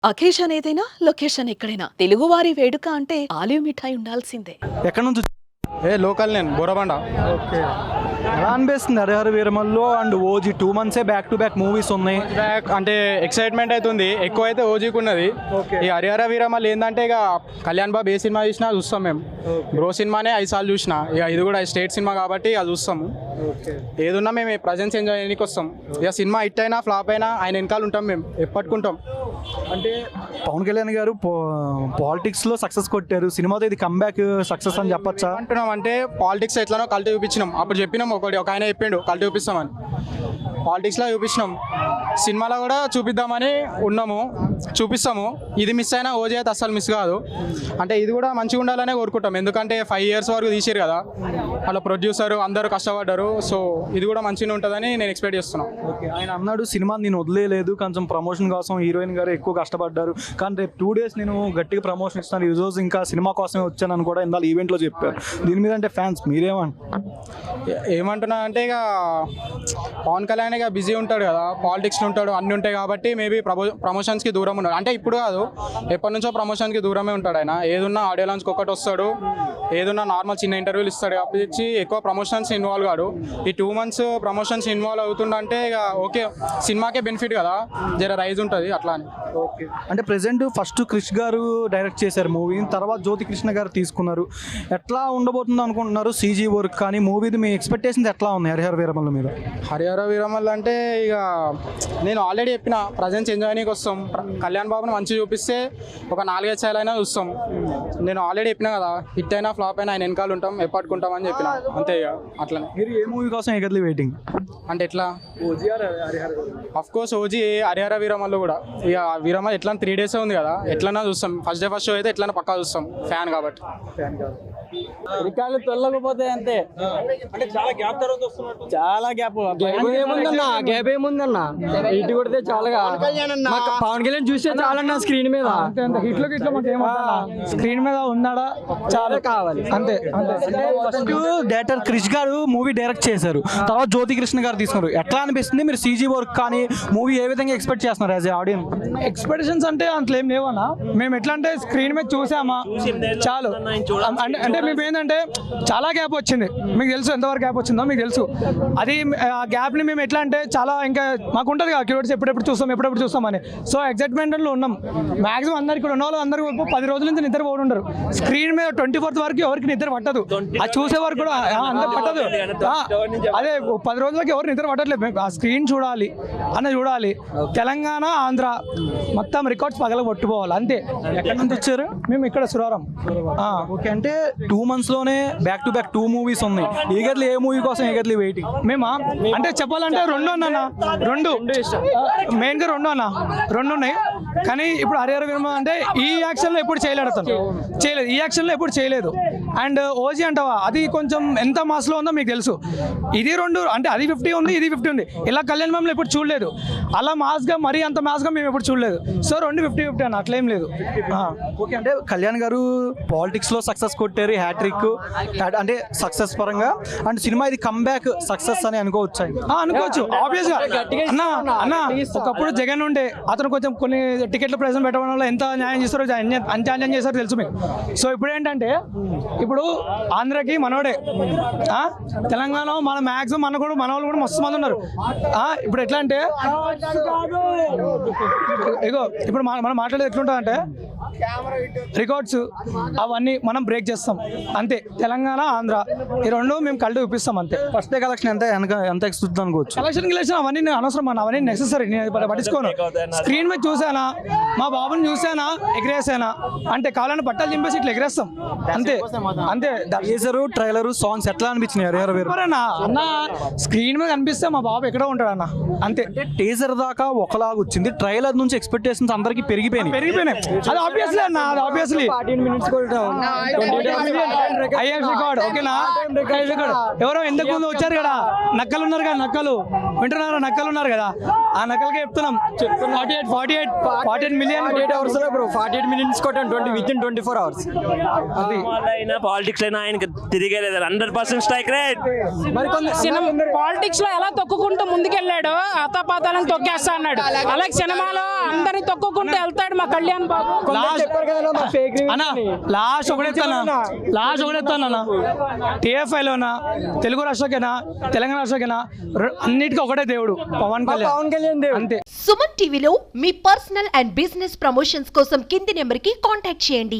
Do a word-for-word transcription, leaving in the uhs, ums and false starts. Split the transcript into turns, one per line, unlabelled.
Occasion ఏదైనా location ఎక్కడైనా తెలుగువారి వేడుక అంటే ఆలివ్ మిఠాయి ఉండాల్సిందే.
ఎక్కడి నుంచి
ఏ లోకల్ నేను బోరబండ.
ఓకే, ఎలా అనిపిస్తుంది హరిహర వీరమల్లో అండ్ ఓజీ టూ మంత్సే బ్యాక్ టు బ్యాక్ మూవీస్ ఉన్నాయి.
బ్యాక్ అంటే ఎక్సైట్మెంట్ అవుతుంది, ఎక్కువ అయితే ఓజీకి ఉన్నది.
Okay.
ఈ హరిహర వీరమల్ ఏంటంటే ఇక కళ్యాణ్ బాబు ఏ సినిమా చూసినా చూస్తాం మేము. బ్రో సినిమానే ఐదు సార్లు చూసిన, ఇక ఇది కూడా స్టేట్ సినిమా కాబట్టి అది చూస్తాము. ఏదున్నా మేము ప్రజెన్స్ ఎంజాయ్ చేయడానికి వస్తాం. ఇక సినిమా హిట్ అయినా ఫ్లాప్ అయినా ఆయన వెనకాల ఉంటాం, మేము ఎప్పటికుంటాం.
అంటే పవన్ కళ్యాణ్ గారు పాలిటిక్స్లో సక్సెస్ కొట్టారు, సినిమాతో ఇది కంబ్యాక్ సక్సెస్ అని చెప్పొచ్చా?
అంటున్నాం అంటే పాలిటిక్స్ ఎట్లానో కల్టీ చూపించినాం. అప్పుడు చెప్పినాం, ఒకటి ఒక ఆయన చెప్పిండు కల్టీ చూపిస్తామని, పాలిటిక్స్లో చూపించినాం. సినిమాలో కూడా చూపిద్దామని ఉన్నాము, చూపిస్తాము. ఇది మిస్ అయినా ఓజీ అయితే అస్సలు మిస్ కాదు. అంటే ఇది కూడా మంచిగా ఉండాలనే కోరుకుంటాం, ఎందుకంటే ఫైవ్ ఇయర్స్ వరకు తీసారు కదా, అలా ప్రొడ్యూసర్ అందరూ కష్టపడ్డారు. సో ఇది కూడా మంచిగా ఉంటుందని నేను ఎక్స్పెక్ట్ చేస్తున్నాను.
ఓకే, ఆయన అన్నాడు సినిమా నేను వదిలేదు, కొంచెం ప్రమోషన్ కోసం హీరోయిన్ గారు ఎక్కువ కష్టపడ్డారు, కానీ రేపు టూ డేస్ నేను గట్టిగా ప్రమోషన్ ఇస్తాను, ఈ రోజు ఇంకా సినిమా కోసమే వచ్చానని కూడా ఇందాక ఈవెంట్లో చెప్పారు. దీని మీద అంటే ఫ్యాన్స్ మీరేమంటారు?
ఏమంటున్నా అంటే ఇక పవన్ కళ్యాణ్ ఇక బిజీ ఉంటాడు కదా, పాలిటిక్స్లో ఉంటాడు, అన్నీ ఉంటాయి కాబట్టి మేబీ ప్రమో ప్రమోషన్స్కి దూరం ఉన్నాడు. అంటే ఇప్పుడు కాదు, ఎప్పటి నుంచో ప్రమోషన్కి దూరమే ఉంటాడు ఆయన. ఏదున్నా ఆడియో లాంచ్కి ఒకటి వస్తాడు, ఏదున్నా నార్మల్ చిన్న ఇంటర్వ్యూలు ఇస్తాడు కాబట్టి ఎక్కువ ప్రమోషన్స్ ఇన్వాల్వ్ కాడు. ఈ టూ మంత్స్ ప్రమోషన్స్ ఇన్వాల్వ్ అవుతుందంటే ఇక ఓకే, సినిమాకే బెనిఫిట్ కదా, జర రైజ్ ఉంటుంది అట్లా అని.
ఓకే, అంటే ప్రెసెంట్ ఫస్ట్ క్రిష్ గారు డైరెక్ట్ చేశారు మూవీ, తర్వాత జ్యోతి కృష్ణ గారు తీసుకున్నారు. ఎట్లా ఉండబోతుందో అనుకుంటున్నారు సీజీ వర్క్ కానీ మూవీది మీ ఎక్స్పెక్టేషన్స్ ఎట్లా ఉన్నాయి హరిహర వీరమల్ల మీద?
హరిహర వీరమల్ అంటే ఇక నేను ఆల్రెడీ చెప్పిన ప్రజెన్స్ ఎంజాయ్ చేయడానికి వస్తాం. కళ్యాణ్ బాబుని మంచిగా చూపిస్తే ఒక నాలుగైదు సార్లు అయినా చూస్తాం. నేను ఆల్రెడీ చెప్పిన కదా, హిట్ అయినా ఫ్లాప్ అయినా ఆయన వెనకాల ఉంటాం, ఎప్పటికుంటాం అని చెప్పిన, అంతే ఇక అట్లనే.
మీరు ఏ మూవీ కోసం ఎగర్లీ వెయిటింగ్?
అంటే ఎట్లా of course OG Harihara Veeramallu కూడా ఇక వీరమల్ ఎట్లా త్రీ డేస్ ఉంది కదా, ఎట్లన్నా చూస్తాం. ఫస్ట్ డే ఫస్ట్ షో అయితే ఎట్లన్నా పక్కా చూస్తాం, ఫ్యాన్ కాబట్టి.
రికార్డులు తొలగకపోతే అంతే. అంటే చాలా గ్యాప్ తర్వాత వస్తున్నట్టు, చాలా గ్యాప్. ఏముందన్నా గ్యాప్ ఏముందన్నా, ఇటు కొడితే చాలా పవన్ కళ్యాణ్ చూస్తే చాలా స్క్రీన్ మీద
హిట్లో గిట్లో స్క్రీన్ మీద ఉన్నాడా
చాలా కావాలి అంతే.
డైరెక్టర్ క్రిష్ గారు మూవీ డైరెక్ట్ చేశారు, తర్వాత జ్యోతి కృష్ణ గారు తీసుకున్నారు. ఎట్లా అనిపిస్తుంది? మీరు సీజీ వర్క్ కానీ మూవీ ఏ విధంగా ఎక్స్పెక్ట్ చేస్తున్నారు యాజ్ ఏ ఆడియన్స్?
ఎక్స్పెక్టేషన్స్ అంటే అంతలో ఏం లేవన్నా, మేము ఎట్లా అంటే స్క్రీన్ మీద చూసామా చాలు. అంటే అంటే మేము ఏంటంటే చాలా గ్యాప్ వచ్చింది, మీకు తెలుసు ఎంతవరకు గ్యాప్ వచ్చిందో మీకు తెలుసు. అది ఆ గ్యాప్ని మేము ఎట్లా అంటే చాలా ఇంకా మాకు ఉంటుంది కదా కిలోడ్స్ ఎప్పుడెప్పుడు చూస్తాం ఎప్పుడెప్పుడు చూస్తామని. సో ఎక్సైట్మెంట్లో ఉన్నాం. మాక్సిమం అందరు ఇక్కడ ఉన్న వాళ్ళు అందరూ పది రోజుల నుంచి నిద్ర పోయి ఉండరు. స్క్రీన్ మీద ట్వంటీ ఫోర్త్ వరకు ఎవరికి నిద్ర పట్టదు, అది చూసే వరకు కూడా అంత పట్టదు. అదే పది రోజులకి ఎవరు నిద్ర పట్టట్లేదు. ఆ స్క్రీన్ చూడాలి అన్న చూడాలి. తెలంగాణ ఆంధ్ర మొత్తం రికార్డ్స్ పగల కొట్టుకోవాలి అంతే.
ఎక్కడి నుంచి వచ్చారు?
మేము ఇక్కడ సురారం.
ఓకే, అంటే టూ మంత్స్ లోనే back to back two movies ఉన్నాయి. ఈగర్లీ ఏ మూవీ కోసం ఈగర్లీ వెయిటింగ్?
మేమా అంటే చెప్పాలంటే రెండు అన్న రెండు మెయిన్ గా రెండు అన్న రెండు ఉన్నాయి. కానీ ఇప్పుడు హరిహర వీరమల్ అంటే ఈ యాక్షన్ లో ఎప్పుడు చేయలేడు, అతను చేయలేదు ఈ యాక్షన్ లో ఎప్పుడు చేయలేదు. అండ్ ఓజీ అంటావా, అది కొంచెం ఎంత మాస్ లో ఉందో మీకు తెలుసు. ఇది రెండు అంటే అది ఫిఫ్టీ ఉంది, ఇది ఫిఫ్టీ ఉంది. ఇలా కళ్యాణ్ మామూలు ఎప్పుడు చూడలేదు, అలా మాస్ గా మరీ అంత మాస్ గా మేము ఎప్పుడు చూడలేదు. సో రెండు ఫిఫ్టీ ఫిఫ్టీ అన్న, అట్లేం లేదు.
ఓకే, అంటే కళ్యాణ్ గారు పాలిటిక్స్ లో సక్సెస్ కొట్టారు, హ్యాట్రిక్ అంటే సక్సెస్ పరంగా. అండ్ సినిమా ఇది కంబ్యాక్ సక్సెస్ అని అనుకోవచ్చు.
అనుకోవచ్చు ఆబ్వియస్ గా. అన్న అన్న ఒకప్పుడు జగన్ ఉండే, అతను కొంచెం కొన్ని టికెట్ల ప్రైస్ పెట్టడం వల్ల ఎంత న్యాయం చేస్తారో అంత అన్యాయం చేస్తారో తెలుసు మీకు. సో ఇప్పుడు ఏంటంటే ఇప్పుడు ఆంధ్రకి మనోడే, తెలంగాణ మన మ్యాక్సిమం మన కూడా మన వాళ్ళు కూడా మస్తు మంది ఉన్నారు. ఇప్పుడు ఎట్లా అంటే ఇగో ఇప్పుడు మనం మాట్లాడేది ఎట్లుంటుంది అంటే రికార్డ్స్ అవన్నీ మనం బ్రేక్ చేస్తాం అంతే. తెలంగాణ ఆంధ్ర ఈ రెండు మేము కళ్ళు చూపిస్తాం అంతే.
ఫస్ట్ డే కలెక్షన్ ఎంత ఎంత ఎక్స్పెక్ట్ అనుకోవచ్చు?
కలెక్షన్ గిలెక్షన్ అవన్నీ నేను అనవసరం అన్న, అవన్నీ నెసెసరీ, నేను పట్టించుకోను. స్క్రీన్ మీద చూసానా, మా బాబుని చూసానా, ఎగిరేసానా అంటే కావాలని బట్టలు చింపేసి ఇట్లా ఎగిరేస్తాం అంతే అంతే.
టీజరు ట్రైలరు సాంగ్స్ ఎట్లా అనిపించినాయి హరిహర వీరమల్
అన్న? అన్న స్క్రీన్ మీద కనిపిస్తే మా బాబు ఎక్కడో ఉంటాడు అన్న అంతే.
టీజర్ దాకా ఒకలాగా వచ్చింది, ట్రైలర్ నుంచి ఎక్స్పెక్టేషన్స్ అందరికి పెరిగిపోయినాయి
పెరిగిపోయినాయి అది ఆబ్వియస్లీ అన్న, అది ఆబ్వియస్లీ ఐఎఫ్ రికార్డ్ ఓకేనా. ఎవరో ఎందుకు ముందు వచ్చారు కదా, నక్కలు ఉన్నారు కదా, నక్కలు వింటున్నారా నక్కలు ఉన్నారు కదా ఆ నక్కలకి చెప్తున్నాం forty eight forty eight forty eight million
forty eight hours bro forty eight minutes కొట్టాను twenty with in twenty four hours
అది
అయినా పాలిటిక్స్ అయినా ఆయనకి తిరిగేలేదు హండ్రెడ్ పర్సెంట్ స్ట్రైక్ రేట్.
మరి కొంత
సినిమా పాలిటిక్స్ లో ఎలా తొక్కుకుంటూ ముందుకెళ్ళాడు ఆతాపాతాలను తొక్కేస్తా అన్నాడు, అలాగే సినిమాలో అందరిని తొక్కుకుంటూ వెళ్తాడు మా కళ్యాణ్ బాబు.
లాస్ట్
చెప్పారు కదా మా ఫేక్
అన్న లాస్ట్ ఒకటేస్తానా లాస్ట్ ఒకటేస్తానా టీఎఫ్ఐలోనా తెలుగు రాష్ట్రకైనా తెలంగాణ రాష్ట్రకైనా రె- అన్నిటికీ ఒకటే దేవుడు పవన్ కళ్యాణ్
పవన్ కళ్యాణ్ దేవుడు.
అంతే.
సుమన్ టీవీలో మీ పర్సనల్ అండ్ బిజినెస్ ప్రమోషన్స్ కోసం కింది నెంబర్కి కాంటాక్ట్ చేయండి.